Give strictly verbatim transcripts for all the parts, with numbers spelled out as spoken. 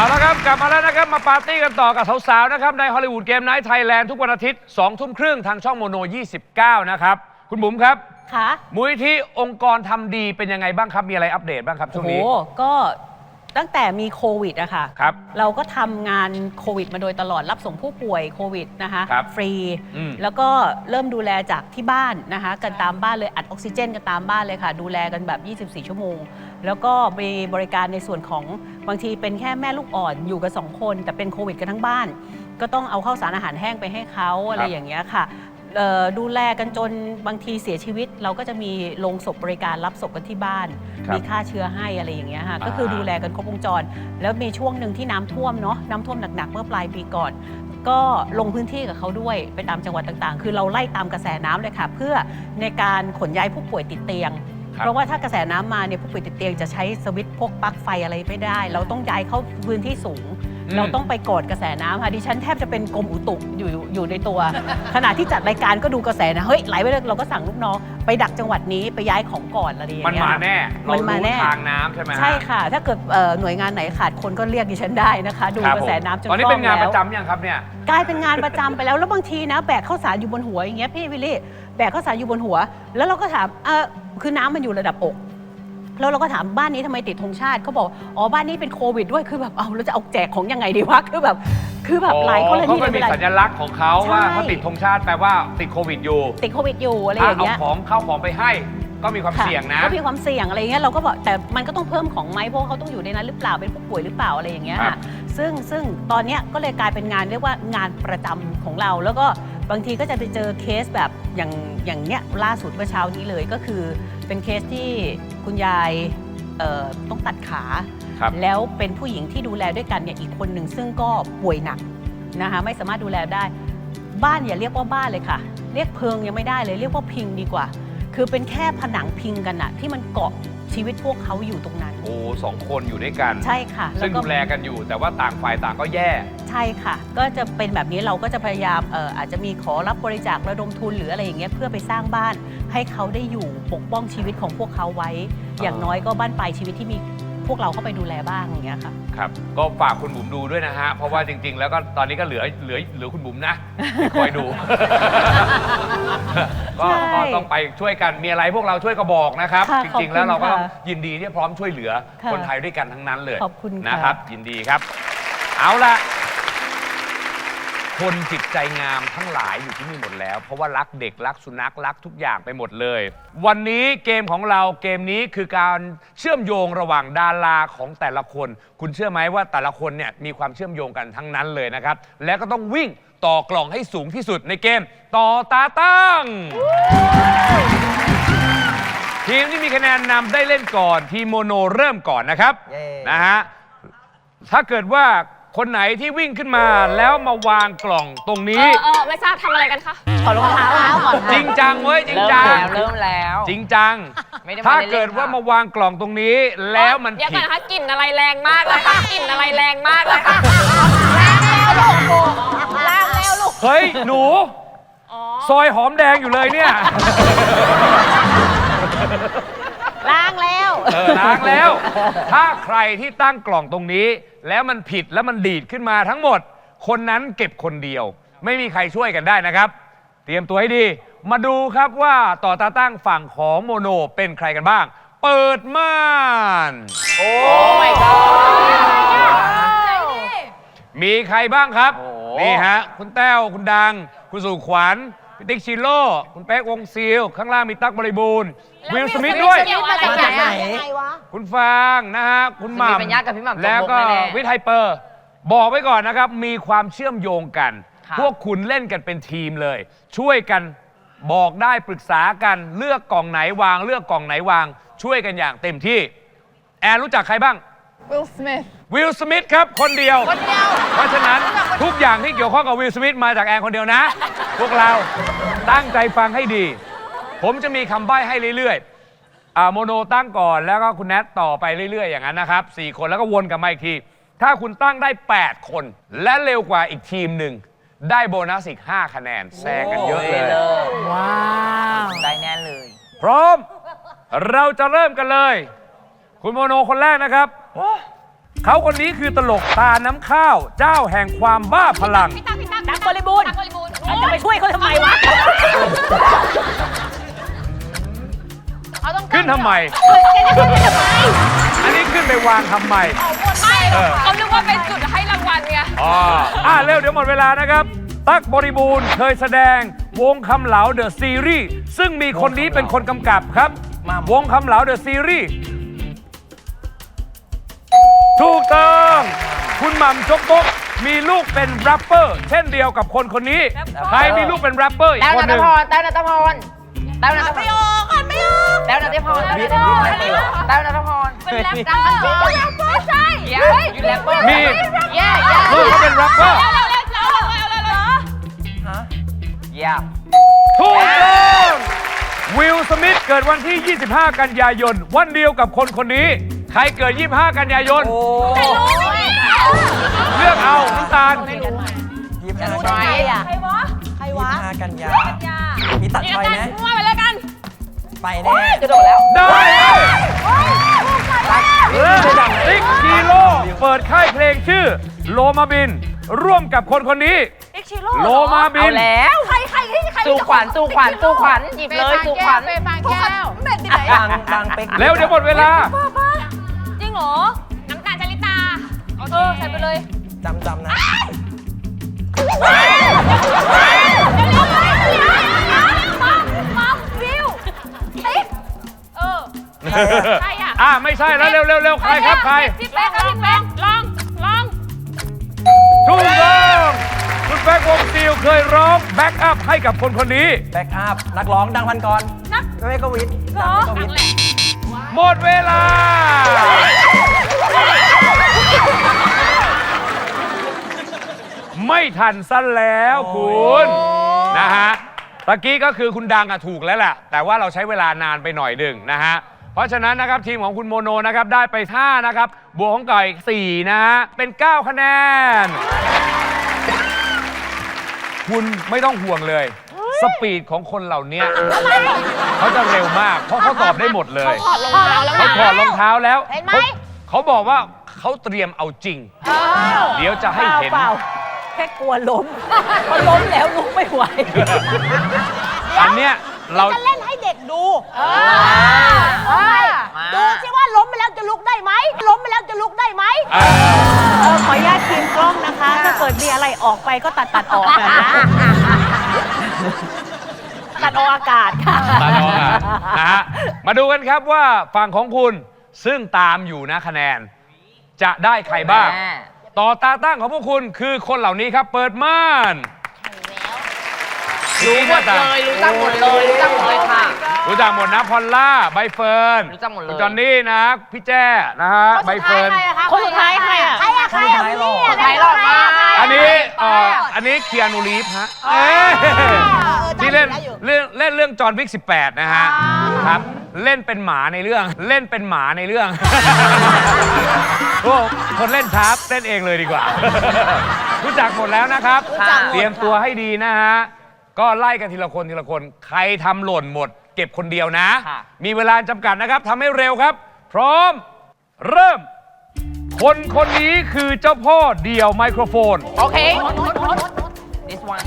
เอาละครับกลับมาแล้วนะครับมาปาร์ตี้กันต่อกับสาวๆนะครับในฮอลลีวูดเกมไนท์ไทยแลนด์ทุกวันอาทิตย์สองทุ่มครึ่งทางช่องโมโนยี่สิบเก้านะครับคุณบุ๋มครับค่ะมูลนิธิองค์กรทำดีเป็นยังไงบ้างครับมีอะไรอัปเดตบ้างครับช่วงนี้โอ้ก็ตั้งแต่มีโควิดอะค่ะครับเราก็ทำงานโควิดมาโดยตลอดรับส่งผู้ป่วยโควิดนะคะฟรีแล้วก็เริ่มดูแลจากที่บ้านนะคะกันตามบ้านเลยอัดออกซิเจนกันตามบ้านเลยค่ะดูแลกันแบบยี่สิบสี่ชั่วโมงแล้วก็มีบริการในส่วนของบางทีเป็นแค่แม่ลูกอ่อนอยู่กันสองคนแต่เป็นโควิดกันทั้งบ้านก็ต้องเอาข้าวสารอาหารแห้งไปให้เขาอะไรอย่างเงี้ยค่ะดูแลกันจนบางทีเสียชีวิตเราก็จะมีโรงศพบริการรับศพกันที่บ้านมีฆ่าเชื้อให้อะไรอย่างเงี้ยค่ะก็คือดูแลกันครบวงจรแล้วมีช่วงหนึ่งที่น้ำท่วมเนาะน้ำท่วมหนักๆเมื่อปลายปีก่อนก็ลงพื้นที่กับเขาด้วยไปตามจังหวัดต่างๆคือเราไล่ตามกระแสน้ำเลยค่ะเพื่อในการขนย้ายผู้ป่วยติดเตียงเพราะว่าถ้ากระแสน้ำมาเนี่ยผู้ป่วยติดเตียงจะใช้สวิตช์พวกปลั๊กไฟอะไรไม่ได้เราต้องย้ายเข้าพื้นที่สูงเราต้องไปกอดกระแสน้ำค่ะดิฉันแทบจะเป็นกรมอุตุอยู่อยู่ในตัวขณะที่จัดรายการก็ดูกระแสนะเฮ้ยไหลไปเลยเราก็สั่งลูกน้องไปดักจังหวัดนี้ไปย้ายของก่อนอะไรอย่างเงี้ยมันมาแน่มันมาแน่ทางน้ำใช่ไหมใช่ค่ะถ้าเกิดหน่วยงานไหนขาดคนก็เรียกดิฉันได้นะคะดูกระแสน้ำจนคล่องแล้วตอนนี้เป็นงานประจำยังครับเนี่ยกลายเป็นงานประจำไปแล้วแล้วบางทีนะแบกข้าวสารอยู่บนหัวอย่างเงี้ยพี่วิลลี่แบกข้าวสารอยู่บนหัวแล้วเราก็ถามเออคือน้ำมันอยู่ระดับอกแล้วเราก็ถามบ้านนี้ทำไมติดธงชาติเขาบอกอ๋อบ้านนี้เป็นโควิดด้วยคือแบบเอาเราจะเอาแจกของยังไงดีวะคือแบบคือแบบหลายกรณีเขาก็มีสัญลักษณ์ของเขาว่าเขาติดธงชาติแปลว่าติดโควิดอยู่ติดโควิดอยู่อะไรอย่างเงี้ยเอาของเข้าของไปให้ก็มีความเสี่ยงนะก็มีความเสี่ยงอะไรอย่างเงี้ยเราก็บอกแต่มันก็ต้องเพิ่มของไหมเพราะเขาต้องอยู่ในนั้นหรือเปล่าเป็นผู้ป่วยหรือเปล่าอะไรอย่างเงี้ยค่ะซึ่งซึ่งตอนเนี้ยก็เลยกลายเป็นงานเรียกว่างานประจำของเราแล้วก็บางทีก็จะไปเจอเคสแบบอย่างอย่างเนี้ยล่าสุดเมื่อเช้านี้เลยก็คือเป็นเคสที่คุณยายต้องตัดขาแล้วเป็นผู้หญิงที่ดูแลด้วยกันเนี่ยอีกคนหนึ่งซึ่งก็ป่วยหนักนะคะไม่สามารถดูแลได้บ้านอย่าเรียกว่าบ้านเลยค่ะเรียกเพิงยังไม่ได้เลยเรียกว่าพิงดีกว่าคือเป็นแค่ผนังพิงกันอะที่มันเกาะชีวิตพวกเขาอยู่ตรงนั้นโอ้สองคนอยู่ด้วยกันใช่ค่ะซึ่งดูแลกันอยู่แต่ว่าต่างฝ่ายต่างก็แย่ใช่ค่ะก็จะเป็นแบบนี้เราก็จะพยายามเอ่ออาจจะมีขอรับบริจาคระดมทุนหรืออะไรอย่างเงี้ยเพื่อไปสร้างบ้านให้เขาได้อยู่ปกป้องชีวิตของพวกเขาไว้อย่างน้อยก็บ้านปลายชีวิตที่มีพวกเราเข้าไปดูแลบ้างอย่างเงี้ยค่ะครับก็ฝากคุณบุ๋มดูด้วยนะฮะเพราะว่าจริงๆแล้วก็ตอนนี้ก็เหลือเหลือเหลือคุณบุ๋มนะคอยดูก็ต้องไปช่วยกันมีอะไรพวกเราช่วยก็บอกนะครับจริงๆแล้วเราก็ยินดีที่พร้อมช่วยเหลือคนไทยด้วยกันทั้งนั้นเลยขอบคุณนะครับยินดีครับเอาละคนจิตใจงามทั้งหลายอยู่ที่นี่หมดแล้วเพราะว่ารักเด็กรักสุนัขรักทุกอย่างไปหมดเลยวันนี้เกมของเราเกมนี้คือการเชื่อมโยงระหว่างดาราของแต่ละคนคุณเชื่อไหมว่าแต่ละคนเนี่ยมีความเชื่อมโยงกันทั้งนั้นเลยนะครับและก็ต้องวิ่งต่อกล่องให้สูงที่สุดในเกมต่อตาตั้งทีมที่มีคะแนนนำได้เล่นก่อนทีมโมโนเริ่มก่อนนะครับนะฮะถ้าเกิดว่าคนไหนที่วิ่งขึ้นมาแล้วมาวางกล่องตรงนี้เออไม่ทราบทำอะไรกันคะขอรองเท้าก่อนจริงจังเว้ยจริงจังเริ่มแล้วจริงจังถ้าเกิดว่ามาวางกล่องตรงนี้แล้วมันผิดเดี๋ยวก่อนนะคะกลิ่นอะไรแรงมากเลยค่ะกลิ่นอะไรแรงมากเลยค่ะล้างแล้วลูกล้างแล้วลูกเฮ้ยหนูซอยหอมแดงอยู่เลยเนี่ยล้างแล้วเออล้างแล้วถ้าใครที่ตั้งกล่องตรงนี้แล้วมันผิดแล้วมันดีดขึ้นมาทั้งหมดคนนั้นเก็บคนเดียวไม่มีใครช่วยกันได้นะครับเตรียมตัวให้ดีมาดูครับว่าต่อตาตั้งฝั่งของโมโนเป็นใครกันบ้างเปิดม่านโอ้ my god มีใครบ้างครับนี่ฮะคุณแต้วคุณดังคุณสุขวัญพี่ติ๊กชิโร่คุณเป๊กวงซิลข้างล่างมีตั๊กบริบูรณ์วิลสมิธด้วยคุณฟางนะฮะคุณหม่ำแล้วก็วิทย์ไฮเปอร์บอกไว้ก่อนนะครับมีความเชื่อมโยงกันพวกคุณเล่นกันเป็นทีมเลยช่วยกันบอกได้ปรึกษากันเลือกกล่องไหนวางเลือกกล่องไหนวางช่วยกันอย่างเต็มที่แอนรู้จักใครบ้างวิลสมิธวิลสมิธครับคนเดียวเพราะฉะนั้นทุกอย่างที่เกี่ยวข้องกับวิลสมิธมาจากแอนคนเดียวนะพวกเราตั้งใจฟังให้ดีผมจะมีคำใบ้ให้เรื่อยๆโมโนตั้งก่อนแล้วก็คุณแนทต่อไปเรื่อยๆอย่างนั้นนะครับสี่คนแล้วก็วนกลับมาอีกทีถ้าคุณตั้งได้แปดคนและเร็วกว่าอีกทีมหนึ่งได้โบนัสอีกห้าคะแนนแซงกันเยอะเลยว้าวได้แน่เลยพร้อมเราจะเริ่มกันเลยคุณโมโนคนแรกนะครับเขาคนนี้คือตลกตาน้ำข้าว เจ้าแห่งความบ้าพลังพี่ตั๊กพี่ตั๊กตั๊กบริบูรณ์ตั๊กบริบูรณ์จะไปช่วยเขาทำไมวะเอาต้องขึ้นทำไม อันนี้ขึ้นไปวางทำไมไม่เออเขานึกว่าเป็นจุดให้รางวัลไงอ๋ออ่ะเร็วเดี๋ยวหมดเวลานะครับ ตั๊กบริบูรณ์เคยแสดงวงคำเหลาเดอะซีรีส์ซึ่งมีคนนี้เป็นคนกำกับครับ วงคำเหลาเดอะซีรีส์ถูกต้อง คุณหม่ำจกบกมีลูกเป็นแรปเปอร์ เช่นเดียวกับคนคนนี้ ใครมีลูกเป็นแรปเปอร์อีกแต้วคนนัหทนึ่งพรแต้วนัทพรแต้วนัทพรไม่ออกอ่ะไม่ออกแต้วนัทพรแต้วนัทพรแต้วนัทพรเป็นแรปเปอร์ไม่ใช่เย้อยู่แรปเปอร์มีเย้ลูกเขาเป็นแรปเปอร์เร็วเร็วเร็วเร็วเร็วเร็วเร็วเย้ถูกต้องวิลสมิธเกิดวันที่ ยี่สิบห้า กันยายน วันเดียวกับคนคนนี้ ใครเกิด ยี่สิบห้า กันยายนไม่รู้ไม่เลือกเอาน้ำตาลยี่สิบห้าใครอ่ะใครวะใครวะห้ากันยายามีตัดนี่ไฟกันไหมมั่วไปแล้วกันไปแน่กระโดดแล้วได้ติ๊กฮีโร่เปิดค่ายเพลงชื่อโลมาบิน ร่วมกับคนคนนี้เอ็กชิโร่โลมาบิเอานแล้วใครใครใครสู่ขวัญสู่ขวัญสู่ขวัญหยิบเลยสู่ขวัญเฟย์ฟางแก้วเม็ดที่ไหนดังดังเป็กเร็วเดี๋ยวหมดเวลาจริงเหรอ น้ำตาลจาริตา เออ ใส่ไปเลยจำจำนะมาฟิวติ๊กเออ ใครอ่ะอ่าไม่ใช่แล้วเร็วเร็วเร็วใครครับใครพี่เป๊กครับพี่เป๊กลอง ลองถูกต้องคุณแบ็ควงซิลเคยร้องแบ็กอัพให้กับคนคนนี้แบ็กอัพ นักร้องดังพันกรนักไม่ก็วิทย์เหรอก็วิทย์หมดเวลา ไม่ทันซะแล้วคุณนะฮะตะกี้ก็คือคุณดังอะถูกแล้วแหละแต่ว่าเราใช้เวลานานไปหน่อยหนึ่งนะฮะเพราะฉะนั้นนะครับทีมของคุณโมโนนะครับได้ไปห้านะครับบวกของไก่สี่นะฮะเป็นเก้าคะแนน คุณไม่ต้องห่วงเลย สปีดของคนเหล่านี้เขาจะเร็วมาก เพราะเขาตอบได้หมดเลยถอดรองเท้าแล้วเขาถอดรองเท้าแล้วเห็นไหมเขาเขาบอกว่าเขาเตรียมเอาจริง เดี๋ยวจะให้เห็นเปล่าแค่กลัวล้มพอล้มแล้วลุกไม่ไหวอันเนี้ยเราจะเล่นให้เด็กดูเออดูสิว่าล้มไปแล้วจะลุกได้ไหม ล้มไปแล้วจะลุกได้ไหมเอ่อเออขออนุญาตทีมกล้องนะคะ ถ้าเกิดมีอะไรออกไปก็ตัดตัดออกกันนะ ตัดออกอากาศค่ะตาดองอ่ะนะฮะมาดูกันครับว่าฝั่งของคุณซึ่งตามอยู่นะคะแนน จะได้ใครบ้าง ต่อตาตั้งของพวกคุณคือคนเหล่านี้ครับ เปิดม่านรู้หมดเลยรู้จักหมดเลยรู้จักหมดเลยค่ะรู้จักหมดนะพอลล่าใบเฟิร์นรู้จักหมดเลยคุณจอนนี่นะ พี่แจ้นะฮะใบเฟิร์นคนสุดท้ายใครอ่ะใครอะใครอะวิลลี่อะใครหลอกมาอันนี้เอ่ออันนี้เคียนูรีฟฮะเอ้ยที่เล่นเรื่องเล่นเรื่องจอห์นวิกสิบแปดนะฮะครับเล่นเป็นหมาในเรื่องเล่นเป็นหมาในเรื่องโอ้คนเล่นชาร์ปเล่นเองเลยดีกว่า รู้จักหมดแล้วนะครับ เตรียมตัวให้ดีนะฮะก็ไล่กันทีละคนทีละคนใครทำหล่นหมด เก็บคนเดียวนะค่ะมีเวลาจำกัดนะครับทำให้เร็วครับ พร้อมเริ่ม คนคนนี้คือเจ้าพ่อเดี่ยวไมโครโฟนโอเค this one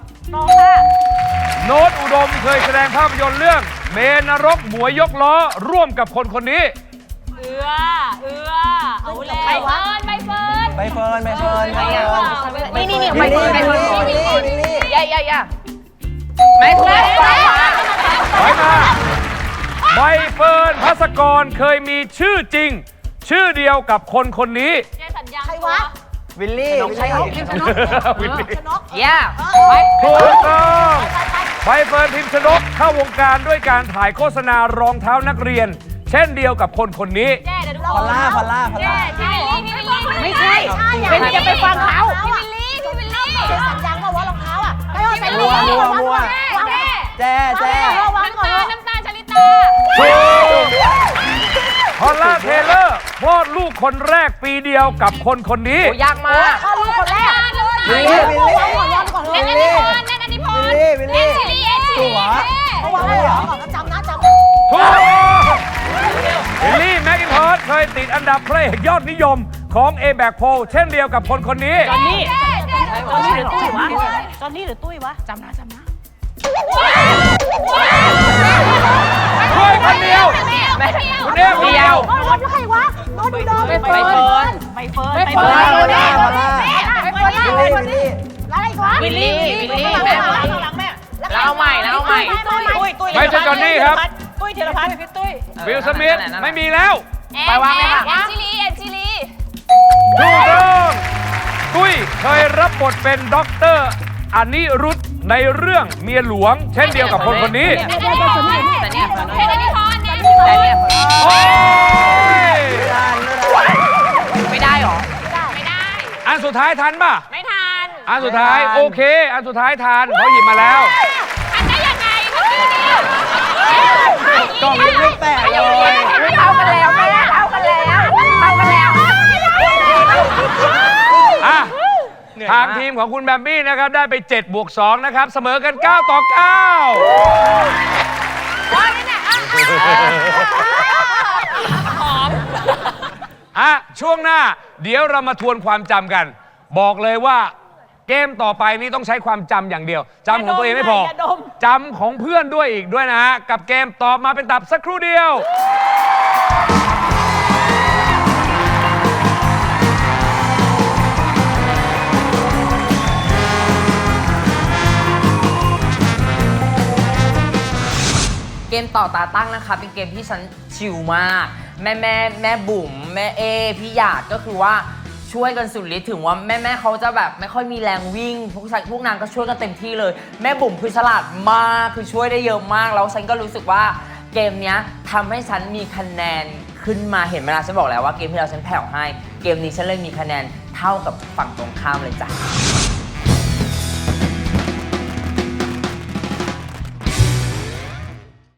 โน้ตอุดมเคยแสดงภาพยนตร์เรื่อง เมนรกหมวยยกล้อ ร่วมกับคนคนนี้เอือ เอือ เอาแล้วใบเฟิร์นใบเฟิร์นใบเฟิร์นใบเฟิร์นใครอะนี่นี่นี่วิลลี่วิลลี่วิลลี่วิลลี่ย่าย่าย่าไม่ถูกถอยมาใบเฟิร์นพัสกรเคยมีชื่อจริง ชื่อเดียวกับคนคนนี้เจสัญญาใครวะวิลลี่วิลลี่วิลลี่ย่าถูกต้องใบเฟิร์นพิมพ์ชนกเข้าวงการด้วยการถ่ายโฆษณารองเท้านักเรียน เช่นเดียวกับคนคนนี้แจ้เดี๋ยวทุกพอลล่าพอลล่าพอลแจ้ล่าใช่พี่วิลลี่ไม่ใช่ เป็นจะไปฟังเขาพี่วิลลี่พี่วิลลี่เจสัญญาณว่าวะรองเท้าอะไปเอาใส่มั่วมั่วมั่วแจ้แจ้แจ้แจ้วางน้ำก่อนตาลน้ำตาลชลิตาถูกพอลล่าเทเลอร์คลอดลูกคนแรกปีเดียวกับคนคนนี้โอ้ยากมากข้อรู้คนแรกวิลลี่วิลลี่วางก่อนวางก่อนเล่นเลอันยนี้พรเล่นอันนี้พรวิลลี่วิลลี่เล่นซีรีส์เอ็กซ์ตัวเอาวางให้เหรอก่อนจำนะจำถูกเฮนรี่แมคอินทอสเคยติดอันดับพระเอกยอดนิยมของ เอ แบค โพล เช่นเดียวกับคนคนนี้จอนนี่จอนนี่หรือตุ้ยวะจอนนี่หรือตุ้ยวะจำนะจำนะช่วยคนเดียว คุณเอคนเดียวโดนใครวะโดนโดนไปเฟิร์นไปเฟิร์นไปไปเฟิเฟิร์ร์นนไปคนแรกไปคนนี้อะไรอีกวะวิลลี่วิลลี่แม่หลังแม่แล้วเอาใหม่แล้วเอาใหม่ตุ้ยตุ้ยไม่ใช่จอนนี่ครับตุ้ยธีรพัฒน์พี่ตุ้ยวิลสมิธไม่มีแล้วไปวางเลยค่ะแอนจิลีแอนจิลีถูกต้องตุ้ยเคยรับบทเป็นด็อกเตอร์อนิรุธในเรื่องเมียหลวง เช่นเดียวกับคนคนนี้แต่เนี่ยเพชรนิพนธ์แนนแต่เนี่ยโอ้ยไม่ได้หรอไม่ได้อันสุดท้ายทันป่ะไม่ทันอันสุดท้ายโอเค อันสุดท้ายทันเขาหยิบมาแล้วทันได้ยังไงเมื่อกี้เนี่ยกล่องยังไม่แตกเลยเท่ากันแล้วแม่เท่ากันแล้วเท่ากันแล้วอ่ะ ทางทีมของคุณแบมบี้นะครับ ได้ไปเจ็ดบวกสองนะครับ เสมอกันเก้าต่อเก้าอ่ะ ช่วงหน้าเดี๋ยวเรามาทวนความจำกัน บอกเลยว่าเกมต่อไปนี้ต้องใช้ความจำอย่างเดียวจำของตัวเองไม่พออย่าดมจำของเพื่อนด้วยอีกด้วยนะฮะ กับเกมตอบมาเป็นตับสักครู่เดียวเกมต่อตาตั้งนะคะเป็นเกมที่ฉันชิลมาก แม่แม่แม่บุ๋มแม่เอพี่หยาดก็คือว่าช่วยกันสุดฤทธิ์ถึงว่าแม่แม่เขาจะแบบไม่ค่อยมีแรงวิ่งพวกฉันพวกนางก็ช่วยกันเต็มที่เลย แม่บุ๋มคือฉลาดมากคือช่วยได้เยอะมากแล้วฉันก็รู้สึกว่าเกมเนี้ยทำให้ฉันมีคะแนนขึ้นมาเห็นไหมล่ะฉันบอกแล้วว่าเกมที่เราฉันแผ่วให้เกมนี้ฉันเลยมีคะแนนเท่ากับฝั่งตรงข้ามเลยจ้ะ